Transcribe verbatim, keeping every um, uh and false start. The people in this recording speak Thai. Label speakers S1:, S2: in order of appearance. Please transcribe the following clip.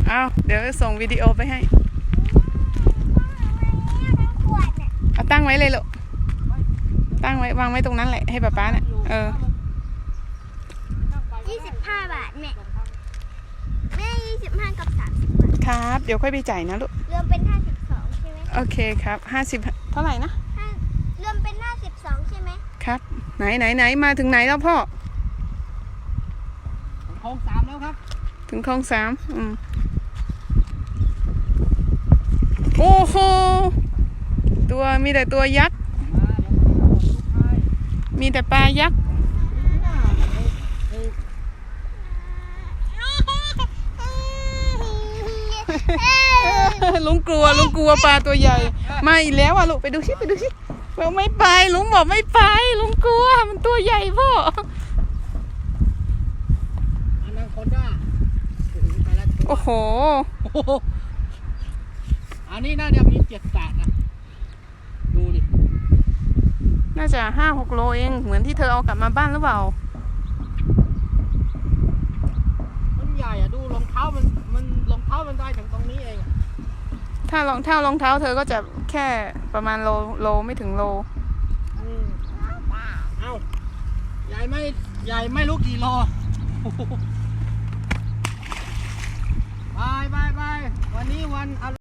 S1: เอาเดี๋ยวส่งวิดีโอไปให้เอาตั้งไว้เลยลูกตั้งไว้วางไว้ตรงนั้นแหละให้ป๊าป๊าเนี่ยเออ
S2: ยี่สิบห้าบาทแม่แม่ยี่สิบห้ากับสามสิบบาท
S1: ครับเดี๋ยวค่อยไปจ่ายนะลูก
S2: รวมเป็นห้าสิบสองใช่ไหม
S1: โอเคครับห้าสิบเท่าไหร่นะ
S2: รวมเป็นห้าสิบสองใช่ไหม
S1: ครับไหนไหนไหนมาถึงไหนแล้วพ่อ
S3: ถึงโค้งสามแล้วครับ
S1: ถึงโค้งสามอืมโอ้โหตัวมีแต่ตัวยักษ์มีแต่ปลายักษ์ลุงกลัวลุงกลัวปลาตัวใหญ่มาอีกแล้วอ่ะลูกไปดูสิไปดูสิเราไม่ไปลุงบอกไม่ไปลุงกลัวมันตัวใหญ่พ่อ
S3: อนาคอนด้า
S1: โอ้โห
S3: อันนี้น่าจะมีเจ็ดแปดนะดูดิ
S1: น่าจะห้าหกโลเองเหมือนที่เธอเอากลับมาบ้านหรือเปล่า
S3: มันใหญ่อะดูรองเท้ามันมันรองเท้ามันได้ถึงตรงนี้เอง
S1: ถ้ารองเท้ารองเท้าเธอก็จะแค่ประมาณโลโลไม่ถึงโล
S3: เอ้าใหญ่ไม่ใหญ่ไม่รู้กี่โลบายบายบายวันนี้วันอะไร